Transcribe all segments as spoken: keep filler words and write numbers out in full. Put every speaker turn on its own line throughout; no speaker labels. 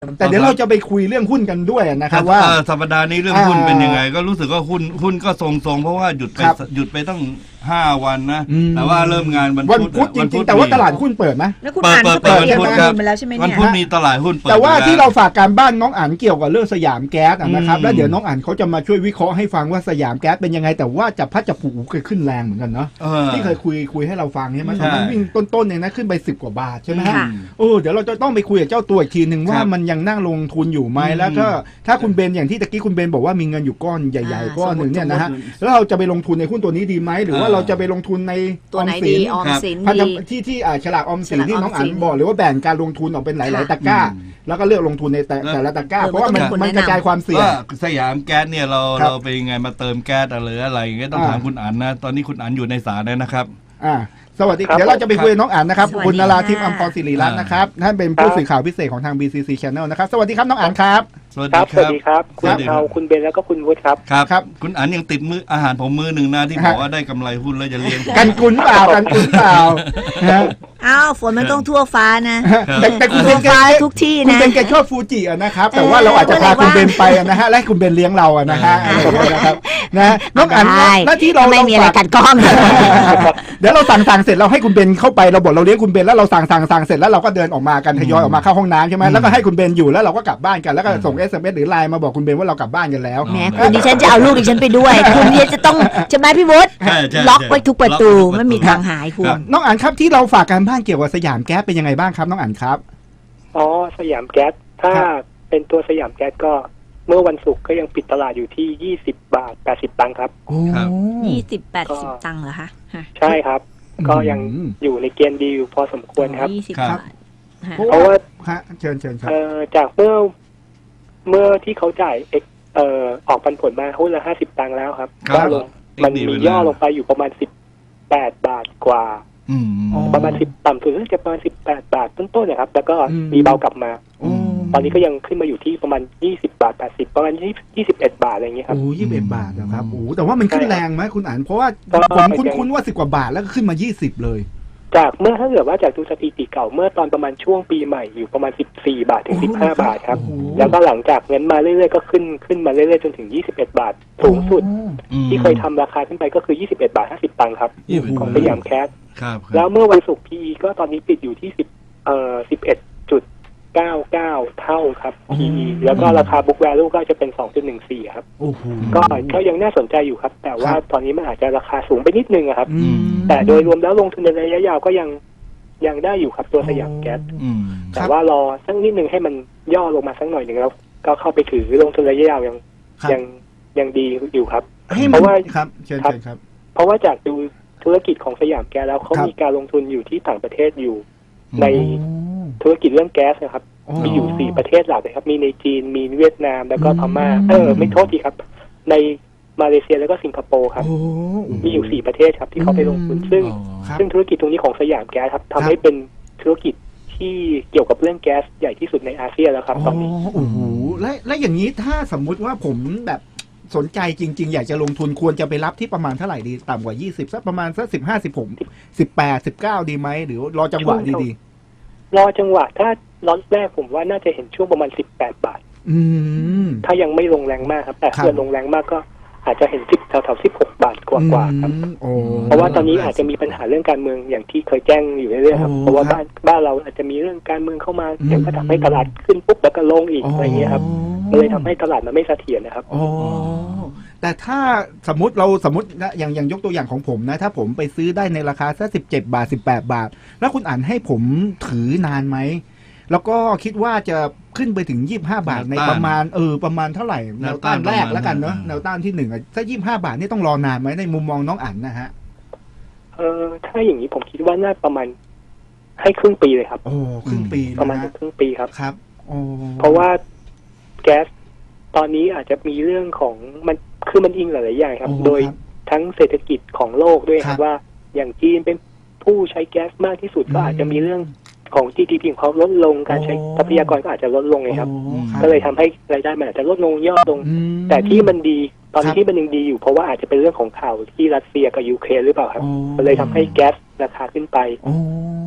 แต่เดี๋ยวเราจะไปคุยเรื่องหุ้นกันด้วยนะครับว่า
สัปดาห์นี้เรื่องหุ้นเป็นยังไงก็รู้สึกว่าหุ้นหุ้นก็ทรงๆเพราะว่าหยุดไปหยุดไปตั้งห้าวันนะแต่ว่าเริ่มงานวัน
พุธจริงๆแต่ว่าตลาดหุ้นเปิดไหม
แล้วคุณอ่านก็เปิดวันพุธมาแล้วใช่ไหมเนี่ย
วันพุธมีตลาดหุ้นเปิด
แต่ว่าที่เราฝากการบ้านน้องอ่านเกี่ยวกับเรื่องสยามแก๊สนะครับแล้วเดี๋ยวน้องอ่านเขาจะมาช่วยวิเคราะห์ให้ฟังว่าสยามแก๊สเป็นยังไงแต่ว่าจับพัดจับผูเคยขึ้นแรงเหมือนกันเนาะที่เคยคุยคุยให้เราฟังใช่ไหมตอนนั้นวิ่งต้นๆเนี่ยนะขึ้นไปสิบกว่าบาทใช่ไหมฮะโอ้เดี๋ยวเราจะต้องไปคุยกับเจ้าตัวอีกทีหนึ่งว่ามันยังนั่งลงทุนอยู่ไหมแล้วก็ถ้าคุณเบนอย่างที่ตะกี้คุณเบนบอกว่ามีเงินอยู่ก้อนใหญ่ๆก้อนหนึ่งเนี่ยนะฮะแล้วเราจะไปลงทุนในหุ้นตัวนี้ดีไหมหรือว่าเราจะไปลงทุนใน
ตัวไหนดีออมสินดี
ที่ที่ฉลากออมสินที่น้องอ่านบอกหรือว่าแบ่งการลงทุนออกเป็นหลายๆตะกร้าแล้วก็เลือกลงทุนในแต่ละตะกร้าเพราะว่ามันมันกระจายความเสี่ยง
สยามแก๊สเนี่ยเราเราไปยังไงมาเติมแก๊สอะไรอะไรอย่างเงี้ยต้องถามคุณอั๋นนะตอนนี้คุณอั๋นอยู่ในศาลนะครับ
อ่าสวัสดีเดี๋ยวเราจะไปคุยน้องอั๋นนะครับคุณนราทิพย์อัมพรศิริรัตน์นะครับท่านเป็นผู้สื่อข่าวพิเศษของทาง บี ซี ซี Channel นะครับสวัสดีครับน้องอั๋นครับ
สวัสดีครับสวัสดีครับคุณเอาคุณเบนแล้วก็คุณวุฒิครับ
ครับครับคุณอั๋นยังติดมืออาหารผมมือหนึ่งนะที่บอกว่าได้กำไรหุ้นแล้วจะเลี้ยง
กันกุนเปล่ากันกุนเปล่า
อ้าวฝนมันต้องทั่วฟ้านะ
แต่คุณ
เป็นฟ้าทุกที่นะ
คุณเป็นแกชอบฟูจิอ่ะนะครับแต่ว่าเราอาจจะพาคุณเบนไปนะฮะและคุณเบนเลี้ยงเราอ่ะนะฮะนะครับนะน้องอั๋นหน้าที่เรา
ไม่มีอะไรกัดก้อง
เดี๋ยวเราสั่งสั่งเสร็จเราให้คุณเบนเข้าไปเราบอกเราเลี้ยงคุณเบนแล้วเราสั่งสั่งสั่งเสร็จแล้วเราก็เดินออกมากันทยอยออกมาเข้าห้องน้ำใช่ไหมแล้วก็ให้คุณเบนอยู่แล้วเราก็กลับบ้านกันแล้วก็ส่ง เอส เอ็ม เอส หรือไลน์มาบอกคุณเบนว่าเรากลับบ้านกันแล้ว
แหมคุณดิฉันจะเอาลูกดิฉันไปด้วยคุณดิฉันจะต้องใช่ไหมพี่วุฒิล็อกไว้ทุกประตูไม่มีทางหายคุณ
น้องอั๋นครับที่เราฝากการบ้านเกี่ยวกับสยามแก๊สเป็นยังไงบ้างครับน้องอั๋นครับ
อ๋อสยามแก๊สถ้าเป็นตัวสยามแก๊สก็เมื่อวันศุกร์ก็ยังปิดตลาดอยู่ที่ยี่สิบบาทแปดสิบตังค์ครับ
ยี่สิบแปดสิบตังค์เหรอคะ
ใช่ครับก็ยังอยู่ในเกณฑ์ดีอยู่พอสมควรครับ
ยี่สิบบาท
เพราะว่า
เชิญเชิญครับ
จากเมื่อเมื่อที่เขาจ่ายเอ่อออกปันผลมาหุ้นละห้าสิบตังค์แล้วครับก็ลงมันมีย่อลงไปอยู่ประมาณสิบแปดบาทกว่าประมาณสิบต่ำสุดจะประมาณสิบแปดบาทต้นๆนะครับแล้วก็มีเบากลับมาตอนนี้ก็ยังขึ้นมาอยู่ที่ประมาณยี่สิบบาทแปดสิบประมาณยี่สิบเอ็ดบาทอะไรอย่างเงี้ยครับ
โอ้ยี่สิบเอ็ดบาทนะครับโอ้แต่ว่ามันขึ้นแรงไหมคุณอั๋นเพราะว่าผมคุ้นๆว่าสิบกว่าบาทแล้วก็ขึ้นมายี่สิบเลย
จากเมื่อถ้าเกิดว่าจากดูสถิติเก่าเมื่อตอนประมาณช่วงปีใหม่อยู่ประมาณสิบสี่บาทถึงสิบห้าบาทครับแล้วก็หลังจากนั้นมาเรื่อยๆก็ขึ้นขึ้นมาเรื่อยๆจนถึงยี่สิบเอ็ดบาทสูงสุดที่เคยทำราคาขึ้นไปก็คือยี่สิบเอ็ดบาทห้าสิบตังค์ครับของสยามแคสแล้วเมื่อวันศุกร์ พี อี ก็ตอนนี้ปิดอยู่ที่สิบเอ่อสิบเอ็ดจุดเก้าเก้าเท่าครับ พี อี แล้วก็ราคา book value ก็จะเป็น สองจุดหนึ่งสี่ ครับก็ก็ยังน่าสนใจอยู่ครับแต่ว่าตอนนี้มันอาจจะราคาสูงไปนิดนึงครับแต่โดยรวมแล้วลงทุนในระยะยาวก็ยังยังได้อยู่ครับตัวสยามแก๊สแต่ว่ารอสักนิดนึงให้มันย่อลงมาสักหน่อยหนึ่งแล้วก็เข้าไปถือลงทุนระยะยาวยังยังยังดีอยู่ครับ
เพราะว่าครับเชิญครับ
เพราะว่าจากดูธุรกิจของสยามแก๊สแล้วเขามีการลงทุนอยู่ที่ต่างประเทศอยู่ในธุรกิจเรื่องแก๊สนะครับมีอยู่สี่ประเทศหลักเลยครับมีในจีนมีเวียดนามแล้วก็พม่าเออไม่โทษทีครับในมาเลเซียแล้วก็สิงคโปร์ครับมีอยู่สี่ประเทศครับที่เขาไปลงทุนซึ่งซึ่งธุรกิจตรงนี้ของสยามแก๊สครับทำให้เป็นธุรกิจที่เกี่ยวกับเรื่องแก๊สใหญ่ที่สุดในอาเซียนแล้วครับตอนนี้
โอ้โหและและอย่างนี้ถ้าสมมุติว่าผมแบบสนใจจริงๆอยากจะลงทุนควรจะไปรับที่ประมาณเท่าไหร่ดีต่ำกว่ายี่สิบสักประมาณสักสิบห้า สิบหก สิบแปด สิบเก้าดีไหมหรือรอจังหวะดี
ๆรอจังหวะถ้าล็อตแรกผมว่าน่าจะเห็นช่วงประมาณสิบแปดบาทถ้ายังไม่ลงแรงมากครับแต่ถ้าลงแรงมากก็อาจจะเห็นสิบแถวๆสิบหกบาทกว่าๆครับเพราะว่าตอนนี้อาจจะมีปัญหาเรื่องการเมืองอย่างที่เคยแจ้งอยู่เรื่อยๆครับเพราะว่าบ้านบ้านเราอาจจะมีเรื่องการเมืองเข้ามาเดี๋ยวก็ทำให้ตลาดขึ้นปุ๊บแล้วก็ลงอีกอะไรเงี้ยครับเลยทำให้ตลาดมันไม่เสถียรนะครับ
แต่ถ้าสมมติเราสมมตินะอย่างอย่างยกตัวอย่างของผมนะถ้าผมไปซื้อได้ในราคาสักสิบเจ็ดบาทสิบแปดบาทแล้วคุณอ่านให้ผมถือนานไหมแล้วก็คิดว่าจะขึ้นไปถึงยี่สิบห้าบาทในประมาณเออประมาณเท่าไหร่แนวต้านแรกแล้วกันเนาะแนวต้านที่หนึ่งถ้ายี่สิบห้าบาทนี่ต้องรอนานไหมในมุมมองน้องอ่านนะฮะ
เออถ้าอย่างนี้ผมคิดว่าน่าประมาณให้ครึ่งปีเลยครับ
โอ้ครึ่งปี
ประมาณครึ่งปีครับ
ครับ
เพราะว่าแก๊สตอนนี้อาจจะมีเรื่องของมันคือมันอิงหลายๆอย่างครับโดยทั้งเศรษฐกิจของโลกด้วยครับว่าอย่างจีนเป็นผู้ใช้แก๊สมากที่สุดก็อาจจะมีเรื่องของ จี ดี พี ของเขาลดลงการใช้ทรัพยากรก็อาจจะลดลงไงครับก็เลยทำให้รายได้มันอาจจะลดลงย่อลงแต่ที่มันดีตอนนี้ที่มันยังดีอยู่เพราะว่าอาจจะเป็นเรื่องของข่าวที่รัสเซียกับยูเครนหรือเปล่าครับก็เลยทำให้แก๊สราคาขึ้นไป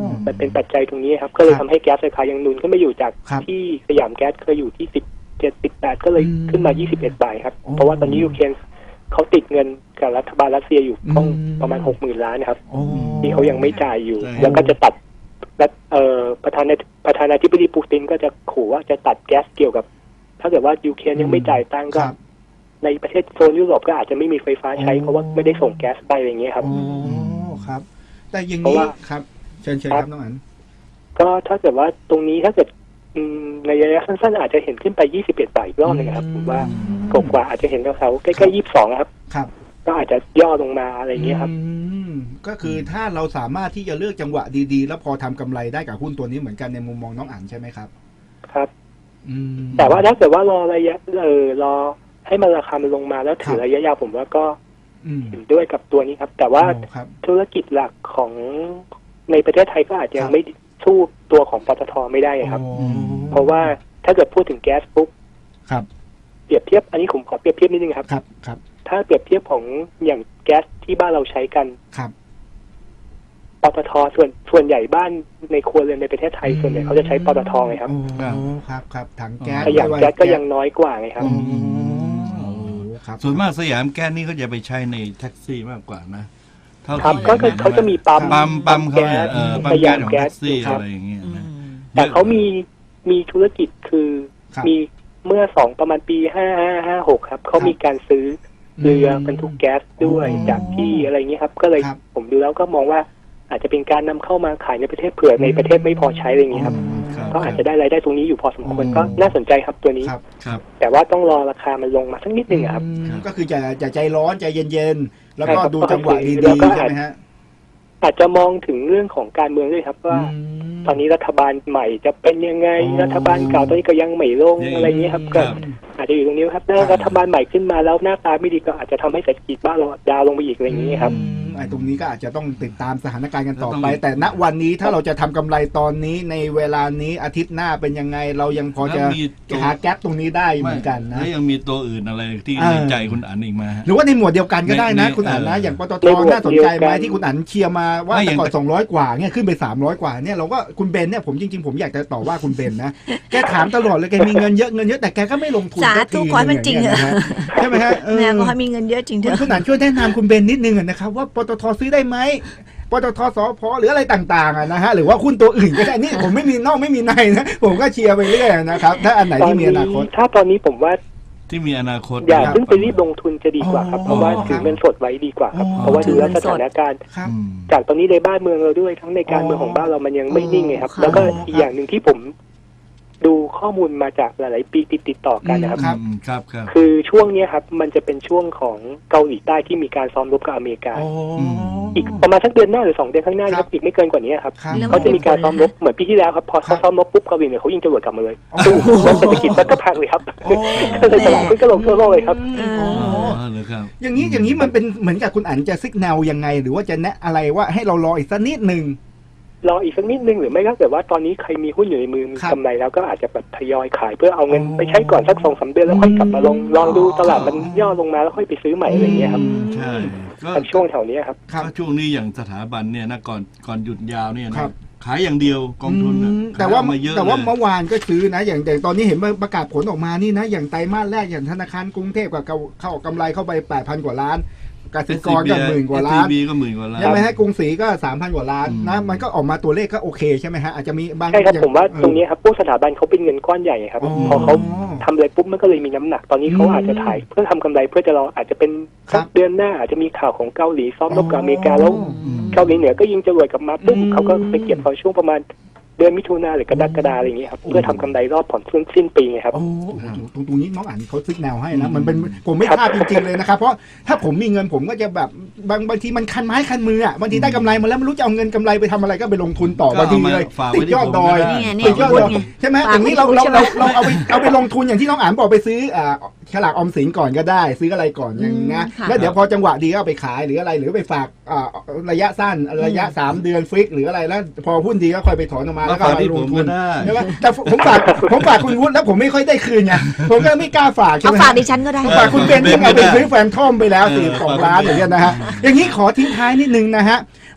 มันเป็นปัจจัยตรงนี้ครับก็เลยทำให้แก๊สราคายังหนุนขึ้นมาอยู่จาก
ครับ
ที่สยามแก๊สเคยอยู่ที่สิบเจ็ดสิบแปดก็เลย
อืม
ขึ้นมายี่สิบเอ็ดบาทครับ
โอ้
เพราะว่าตอนนี้ยูเครนเขาติดเงินกับรัฐบาลรัสเซียอยู่
อืม
ต้องประมาณหกหมื่นล้านนะครับ
โอ้
ที่เขายังไม่จ่ายอยู่
ใช่
แล้วก็จะตัดและเอ่อประธานาประธานาธิบดีปูตินก็จะขู่ว่าจะตัดแก๊สเกี่ยวกับ ถ้าเกิดว่ายูเครนยังไม่จ่ายตังค์ก็
ครับ
ในประเทศโซนยุโรปก็อาจจะไม่มีไฟฟ้าใช้
โอ้
เพราะว่าไม่ได้ส่งแก๊สไปอะไรอย่างเงี้ยครับ
โอ้ครับ แต่อย่าง
เพราะ
นี้
ว่า
ครับเชิญเชิญ
ค
ค
รั
รับ บน้องอัน
ก็ถ้าเกิดว่าตรงนี้ถ้าเกิดอืมในระยะสั้นๆอาจจะเห็นขึ้นไปยี่สิบเอ็ดบาทอีกรอบหนึงครับผมว่ากกว่าอาจจะเห็นแถวๆใกล้ๆยี่สิบสองครับ
ครับ
ก็อาจจะย่อลงมาอะไรอย่างเงี้ยครับ
อืมก็คือถ้าเราสามารถที่จะเลือกจังหวะดีๆ แล้วพอทำกำไรได้กับหุ้นตัวนี้เหมือนกันในมุมมองน้องอั๋นใช่ไหมครับ
ครับ
อืม
แต่ว่าถ้าเกิดว่ารอระยะเออรอให้มันราคามันลงมาแล้วถือระยะยาวผมว่าก็
อืม
เห็นด้วยกับตัวนี้ครับ แต่ว่า
โอ้ครับ
ธุรกิจหลักของในประเทศไทยก็อาจจะยั
ครั
ง
บ
ไม่สู้ตัวของปตทไม่ได้ครับ
โอ้
เพราะว่าถ้าเกิดพูดถึงแก๊สปุ๊บ
ครับ
เปรียบเทียบอันนี้ผมขอเปรียบเทียบนิดนึงครับ
ครับครับ
ถ้าเปรียบเทียบของอย่างแก๊สที่บ้านเราใช้กัน
ครับ
ปตทส่วนส่วนใหญ่บ้านในครัวเรือนในประเทศไทยส่วนใหญ่เขาจะใช้ปตทไงครับ
โอ้ครับครับถังแก๊ส
ขยะแก๊สก็ยังน้อยกว่าไงครับ
โอ้ครับ
ส่วนมากสยามแก๊สนี่เขาจะไปใช้ในแท็กซี่มากกว่านะเท่า
ครับ
ที่
ก็
ห็น
คือเขาจะมีปั๊ม
ปั๊มปั๊มเขาเนี่ยเออปั๊ม
ส
แก๊
ยา
ส
ม
ของ
แก๊
แท็
ส
กซี่
ครั
อะ
บ
ไรอย่างเงี้ยนะ
แต่เขามีมีธุรกิจคือ
ครับ
มีเมื่อสองประมาณปีห้าห้าห้าหกครับเขามีการซื้อเรือบรรทุกแก๊สด้วย
อ๋อ
จากที่อะไรเงี้ยครับ ก็เลย
ครับ
ผมดูแล้วก็มองว่าอาจจะเป็นการนำเข้ามาขายในประเทศเผื่อในประเทศไม่พอใช้อะไรเงี้ยครับ
ครับ
ก็อาจจะได้รายได้ตรงนี้อยู่พอสมควร
อ๋อ
ก็น่าสนใจครับตัวนี้
ครับ
ครับ
แต่ว่าต้องรอราคามันลงมาสักนิดนึงอะครับ
อืมก็คือจะจะใจร้อนใจเย็นๆ แล้วก็
ใช่ครับ
ดูจังหวะดี
แล้วก็
ๆใช่ไหมฮะ
อาจจะมองถึงเรื่องของการเมืองด้วยครับว่า
ม
ตอนนี้รัฐบาลใหม่จะเป็นยังไง
อ๋อ
รัฐบาลเก่าตอนนี้ก็ยังไม่ลง
ยัง
อะไรเงี้ยครับ
ครั
ก็
บ
อาจจะอยู่ตรงนี้ครับถ้ารัฐบาลใหม่ขึ้นมาแล้วหน้าตาไม่ดีก็อาจจะทำให้เศรษฐกิจบ้านเราดาวน์ลงไปอีกอะไรอย่างเงี้ยครับ
อืมไอ้ตรงนี้ก็อาจจะต้องติดตามสถานการณ์กันต่อ
ต้อง
ไป แต่ณวันนี้ถ้าเราจะทำกำไรตอนนี้ในเวลานี้อาทิตย์หน้าเป็นยังไง เรายังพอจะ
แล้วมีตัว
หาแก๊ปตรงนี้ได้เหมือนกันนะ
แล้วยังมีตัวอื่นอะไรที่
เออ
ในใจคุณอันอีกไหมาฮะ
หรือว่าในหมวดเดียวกันก็ได้นะ
ใน
คุณอั๋นนะ
เออ
อ
อย่าง
ปตท
ในหมวด
น่าสนใจไหม
เดียวกัน
ที่คุณอั๋นเชียร์มาว่า
ไม่อ
แต่
ย่าง
ก่อนสองร้อยกว่าเนี่ยขึ้นไปสามร้อยกว่าเนี่ยเราก็คุณเบนเนี่ยผมจริงๆผมอยากจะต่อว่าคุณเบนนะแกถามตลอดเลยแกมีเงินเยอะเงินเยอะแต่แกก็ไม่ลงทุน
สา
สัก
ธุ
ที
ขอให้มันจริง
ย่า
เถ
เงี้ย
อะ
นะฮะใช่ไหมฮะเออ
แม่ก็ให้มีเงินเยอะจริงเถ
คุณ
อะ
คุณอั๋นช่วยแนะนำคุณเบนนิดนึงอะนะครับว่าปตทซื้อได้ไหมปตทสพหรืออะไรต่างๆอะนะฮะหรือว่าหุ้นตัวอื่นก็ได้นี่ผมไม่มีนอกไม่มีในนะผมก็เชียร์ไปเรื่อยนะครับถ้าอันไหน
ตอน
ที่มี
นี้
อนาคต
ถ้าตอนนี้ผมว่า
ที่มีอนาคต
อย่า
ครับ
เพิ่งไปรีบลงทุนจะดีกว่าครับ
อ๋อ
เพราะว่า
ครับ
ถือเงินสดไว้ดีกว่าครับ
อ๋อ
เพราะว่าดูแล้ว
ถือเงิน
ส
สด
ถานการณ์
ครับ
อืม
จากตอนนี้ในบ้านเมืองเราด้วยทั้งในการเมืองของบ้านเรามันยังไม่นิ่งไงครับ แล้วก็อีกอย่างหนึ่งที่ผมดูข้อมูลมาจากหลาย ๆ ปีติดติดต่อกันนะครับ
ครับ
อืมครับครับ
คือช่วงเนี้ยครับมันจะเป็นช่วงของเกาหลีใต้ที่มีการซ้อมรบกับอเมริกา
โอ้
อีกประมาณสักเดือนหน้าหรือสองเดือนข้างหน้านะครับอีกไม่เกินกว่านี้ครับ
ครับ
เรื่อง
เขาจะมีการซ้อมรบเหมือนปีที่แล้วครับพอ
ครั
เขา
บ
ซ้อมรบปุ๊บเกาหลีเนี่ยเขายิงจรวดกลับมาเลย
โอ้
ซึ่งเศรษฐกิจมันก็พังเลยครับ
โอ้
ก็เลยตลาดหุ้นก็ลงทั่วโลกเลยครับ
อืม
อ๋
โอ้
อ๋อเหรอครับ
อย่างนี้อย่างนี้มันเป็นเหมือนกับคุณอั๋นจะซิกแนวยังไง หรือว่าจะแนะอะไรว่าให้เรารออีกสักนิดหนึ่ง
รออีกสักนิดนึงหรือไม่ก็แต่ว่าตอนนี้ใครมีหุ้นอยู่ในมือมี
ครับ
กำไรแล้วก็อาจจะแบบทยอยขายเพื่อเอาเงิน
อ๋อ
ไปใช้ก่อนสักสองสามเดือนแล้วค่อยกลับมาลง
อืม
ลองดูตลาดมันย่อลงมาแล้วค่อยไปซื้อใหม่อะไรอย่างเงี้ยครับ
ใช่ก็
ตอนช่วงแถวเนี้ยครับ
ครับ
ก็ช่วงนี้อย่างสถาบันเนี่ยนะก่อนก่อนหยุดยาวเนี่ยนะครับ ขายอย่างเดียวกองทุนน่ะ
อืมแต่ว่า
ขยออกมาเยอะ
แต่ว่า
เลย
เมื่อวานก็ซื้อนะ อย่างแต่ตอนนี้เห็นประกาศผลออกมานี่นะ อย่างไตรมาสแรกอย่างธนาคารกรุงเทพกับเข้ากำไรเข้าไปแปดพันกว่าล้านกสิกรก็หมื่นกว่าล้าน
เอส ซี บี ก็หมื่นกว่าล้าน
ใช่ไหมฮะกรุงศรีก็สามพันกว่าล้าน
อืม
นะมันก็ออกมาตัวเลขก็โอเคใช่ไหมฮะอาจจะมีบาง
ใช่ครับ
อย่ง
ผมว่า
เออ
ตรงนี้ครับพวกสถาบันเขาเป็นเงินก้อนใหญ่ครับ
อ๋อ
พอเขาทำอะไรปุ๊บมันก็เลยมีน้ำหนักตอนนี้เขา
อืม
อาจจะถ่ายเพื่อทำกำไรเพื่อจะรออาจจะเป็น
ครั
สั
บ
กเดือนหน้าอาจจะมีข่าวของเกาหลีซ้อมรบกับอเมริกาแล้ว
อืม
เกาหลีเหนือก็ยิงจรวดกลับมาปุ๊บ
อืม
เขาก็ไปเก็บพอช่วงประมาณเดือนมิถุนาหรือกรกฎาอะไรอย่างเงี้ยครับเพื่อทำกำไรรอบผ่อนสิ้นสิ้นปีไงครับ
โอ้โหตรงตรงนี้น้องอ่านเขาซึกแนวให้นะมันเป็นผมไม่พลาดจริงๆเลยนะครับเพราะถ้าผมมีเงินผมก็จะแบบบางบางทีมันคันไม้คันมืออ่ะบางทีได้กำไรมาแล้วไม่รู้จะเอาเงินกำไรไปทำอะไรก็ไปลงทุนต่อบางทีเลย
ฝาก
ติ
ไว้
ด
ที่
ยอด
ผม
ดอย
ก็ได้
นี่ไงเนี่
ติ
ย
ดยอดดอยใช่ไหม
ฝาก
อย่างนี้เรา
ไว้
เรา
ใช่ไหม
เราเราเอาไปเอาไปลงทุนอย่างที่น้องอ่านบอกไปซื้ออ่าฉลากออมสินก่อนก็ได้ ซื้ออะไรก่อนอย่างนี้นะ
ค่ะ
แล้วเดี๋ยวพอจังหวะดีก็เอาไปขายหรืออะไรหรือไปฝากอ่าระยะสั้นระยะสามเดือนฟิกหรืออะไรแล้วพอหุ้นดีก็ค่อยไปถอนออกมา
มา
แล้วก็
ฝาก
เอา
ที่
ล
ผ
ง
ม
ทุ
ก็
น
ได้
ใช่ไหมแต่ผมฝากผมฝากคุณวุฒิแล้วผมไม่ค่อยได้คืนไงผมก็ไม่กล้าฝากใช่
เอา
ไหม
ฝากดิฉันก็ได้
ผมฝากคุณเบนซ์ที่เอาไปซื้อแฟนทอมไปแล้ว
เออ
สี่สอง
ฝาก
ล้าน
คุณเบนซ์
อย่างเงี้ยนะฮะอย่างนี้ขอทิ้งท้ายนิดนึงนะฮะ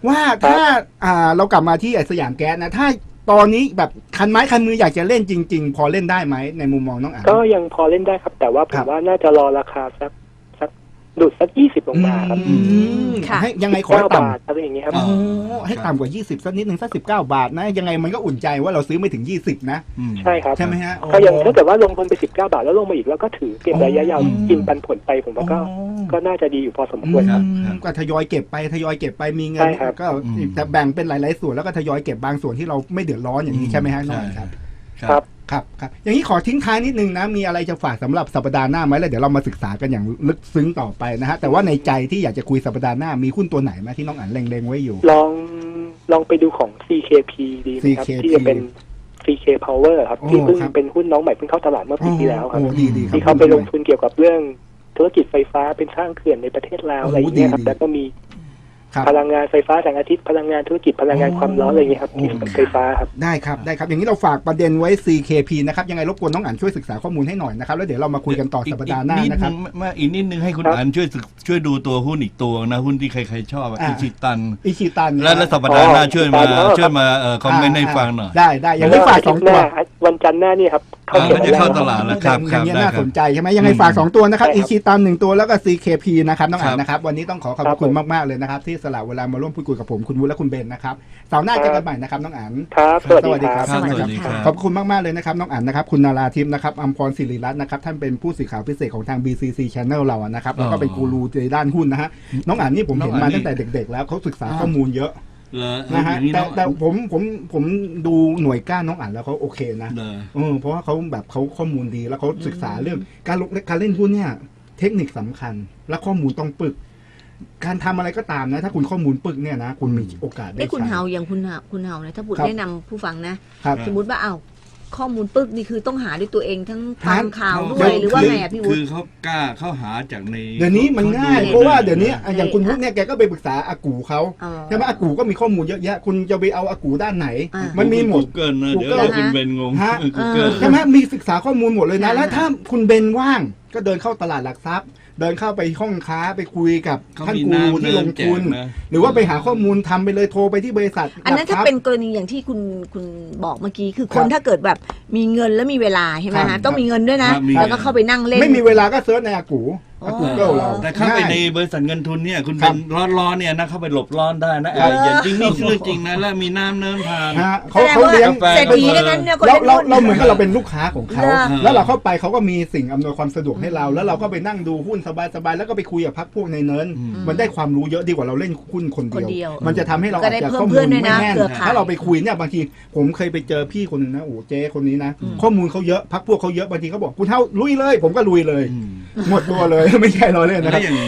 ว่าถ้าอ่าเรากลับมาที่ไอ้สยามแก๊สนะถ้าตอนนี้แบบคันไม้คันมืออยากจะเล่นจริง ๆ พอเล่นได้ไหมในมุมมองน้องอัน
ก็ยังพอเล่นได้ครับ แต่ว่าผ
ครั
ม
บ
ว่าน่าจะรอราคาสักสักดุดสักยี่สิบลงมาครับ
อืม
ค่ะ
ให้ยังไงขอ
เก้า
ต่ำ
บาทอะไรอย่างเงี้ยครับ
โอ้ให้ต่ำกว่ายี่สิบสักนิดหนึ่งสักสิบเก้าบาทนะยังไงมันก็อุ่นใจว่าเราซื้อไม่ถึงยี่สิบนะ
อืม
ใช่ครับ
ใช่ไหมฮะ
ก็ยังถ้าเกิดว่าลงทุนไปสิบเก้าบาทแล้วลงมาอีกแล้วก็ถือเก็บระยะยาว
อืม
กินปันผลไปผมว่าก็
อ๋อ
ก็น่าจะดีอยู่พอสมควรครับ
อืมก็ทยอยเก็บไปทยอยเก็บไปมีเงิน
ใช่ครับ
ก็จะแบ่งเป็นหลายๆส่วนแล้วก็ทยอยเก็บบางส่วนที่เราไม่เดือดร้อนอย่างนี้ใช่ไหมฮะน้องอันครับ
ครับ
ครับครับอย่างนี้ขอทิ้งท้ายนิดนึงนะมีอะไรจะฝากสำหรับสัปดาห์หน้าไหมแล้วเดี๋ยวเรามาศึกษากันอย่างลึกซึ้งต่อไปนะฮะแต่ว่าในใจที่อยากจะคุยสัปดาห์หน้ามีหุ้นตัวไหนไหมที่น้องอันเล็งๆไว้อยู่
ลองลองไปดูของ ซี เค พี ดีไหมครับ
ซี เค พี
ที่จะเป็น ซี เค Power ครับ
โอ้
ที่เพิ่ง
ครับ
เป็นหุ้นน้องใหม่เพิ่งเข้าตลาดเมื่อปีที่แล้วครับ
โอ้ดีดีครับ
ที่เขาไปลงทุนเกี่ยวกับเรื่องธุรกิจไฟฟ้าเป็นสร้างเขื่อนในประเทศลาว
โอ้
อะไรอย่างเงี้ยครับ
ดีดี
แล้วก็มี
ครับ
พลังงานไฟฟ้าแสงอาทิตย์พลังงานธุรกิจพลังงานความร้อนอะไรอย่างเงี้ยครับที่เป็นไฟฟ้าครับ
ได้ครับได้ครับอย่างนี้เราฝากประเด็นไว้ ซี เค พี นะครับยังไงรบกวนน้องอันช่วยศึกษาข้อมูลให้หน่อยนะครับแล้วเดี๋ยวเรามาคุยกันต่อสัปดาห์หน้านะครับ
อีกดงมาอีกนิดนึงให้คุณ
ครับ
อันช่วยศึกช่วยดูตัวหุ้นอีกตัวนะหุ้นที่ใครๆชอบอะ
อ่า
อิชิตัน
อิชิตัน
และและสัปดาห์หน้า
อ๋อ
ช่วยมา
อิชิตัน
ช่วยมาเอ่อคอมเมนต์ให้ฟังหน่อย
ได้ได้อย่างนี้ฝากสองตัว
วันจันทร์หน้านี่ครับเข้า
อ่า
เก็บ
มันจะเข้าตลาดแล้วครับ
อ
ครั
ย่า
บ
งนี้ย
ได้
น่า
ครั
ส
บ
นใจใช่ไหมยังไงฝากสองตัวนะครับ
ใช่ครับ
อิชิตันหนึ่งตัวแล้วก็ ซี เค พี นะครับน้องอั
ครั
น
บ
นะครับวันนี้ต้องขอขอบ
ครับ
คุณ
ผม
มากๆเลยนะครับที่สละเวลามาร่วมพูดคุยกับผมคุณวุฒิและคุณเบนนะครับเสาร์หน้าเจอกันใหม่นะครับน้องอัน
ครับสวัสดีครับ
สวัสดี
สวัสดีค
ค่ะ
รับ
ขอบคุณมาก ๆ เลยนะครับ น้องอั๋นนะครับ คุณนาราทิพย์นะครับอัมพรศิริรัตน์นะครับ ท่านเป็นผู้สื่อข่าวพิเศษของทาง บี ซี ซี Channel เราอะนะครับ แล้วก็เป็นกูรูในด้านหุ้นนะฮะ น้องอั๋นนี่ผมเห็นมาตั้งแต่เด็ก ๆ แล้วเขาศึกษาข้อมูลเยอะ
เหรอ
นะฮะ
อย่างนี้
แต่
น้อง
แต่ผมผมผมดูหน่วยก้านน้องอั๋นแล้วเขาโอเคนะ
เหรอ
เออเพราะว่าเขาแบบเขาข้อมูลดีแล้วเขาศึกษาเรื่องการลงการเล่นหุ้นเนี่ย เทคนิคสำคัญ และข้อมูลต้องปึก การทำอะไรก็ตามนะ ถ้าคุณข้อมูลปึกเนี่ยนะ คุณมีโอกาสได้
นี่คุณ
ใช้
เฮาอย่างคุณเฮาคุณเฮาเนี่ยถ้าบุต
ครับ
แนะนำผู้ฟังนะ
ครับ
สมมติว่าอ้าวข้อมูลปึ๊กนี่คือต้องหาด้วยตัวเองทั้ง
ครั
ฟั
บ
งข่าวด้
เดี๋
วย
ยว
หรือว่าไงอ่ะพี่วุ
คื
ฒิ
อเขากล้าเข้าหาจากใน
เดี๋ยวนี้มันง่าย
ข
เพราะว่าเดี๋ยวนี้
เออ
อย่างคุณวุฒิเนี่ยแกก็ไปปรึกษาอากูเขา
อ๋อ
ใช่ไหมอากูก็มีข้อมูลเยอะแยะ คุณจะไปเอาอากูด้านไหน
อ่า
มันมีหมด
เกินนะ เดี๋ยว
Google
เราคุณ
นะ
เบนงง
ฮะ
กูเกิล
ใช่ไหมมีศึกษาข้อมูลหมดเลยนะ
อ่า
แล้วถ้าคุณเบนว่างก็เดินเข้าตลาดหลักทรัพย์ เดินเข้าไปห้องค้าไปคุยกับ
เขา
ท่าน
มี
กู
น้ำ
ที่ลง
เนินแจ
ทุน
กนะ
หรือว่าไปหาข้อมูลทำไปเลยโทรไปที่บริษัท
อันนั้น
หลัก
ถ้า
ทรัพย์
เป็นกรณีอย่างที่คุณคุณบอกเมื่อกี้คือค
ครั
น
บ
ถ้าเกิดแบบมีเงินแล้วมีเวลาใช่ไหม
ครั
ฮะ
บ
ต้องมีเงินด้วยนะ
ครับมี
แล้วก็เข้าไปนั่งเล่น
ไม่มีเวลาก็เซิร์ชในอากู
อ๋อ
อากูเกิลเรา
แต่เข้าไปใน
ง่ย
บริษัทเงินทุนเนี่ยคุณ
ครั
เป็
บ
นร้อนร้อนๆเนี่ยนะเข้าไปหลบร้อนได้นะ
เออ
ไอ้อย่างจริงนี่เรื่องจริงนะแล้วมีน้ำเนิ้มทาน
ฮะ
แส
เขา
ดง
เขา
ว่า
เลี้ยง
กาแฟ
เศรษฐีทั้งนั้นเนี่ยคน
เรา
เล่น
เรา
หุ้น
เราเหมือนกับเราเป็นลูกค้าของเขา
เหรอ
แล้วเราเข้าไปเขาก็มีสิ่งอำนวยความสะดวกให้เรา แล้วเราก็ไปนั่งดูหุ้นสบายๆแล้วก็ไปคุยกับพักพวกในเนิน
อืม
มันได้ความรู้เยอะดีกว่าเราเล่นหุ้นคน
คนเดี
เดี
ย
ยว ว มันจะทำให้เรา
ก็
อาจ
ได้
จะ
เพิ่ม
ข้อมู
เพื่อ
ล
นด้วย
ไม่
นะ
แน่น
เครือข่าย
ถ้าเราไปคุยเนี่ยบางทีผมเคยไปเจอพี่คนหนึงนะโอ้เจ๊คนนี้นะ
อืม
ข้อมูลเขาเยอะพักพวกเขาเยอะบางทีเขาบอกคุณเท่าลุยเลย ผมก็ลุยเลย
อืม
หมดตัวเลย ไม่ใช่เราเล่นนะค
แล้
รับ
วอย่าง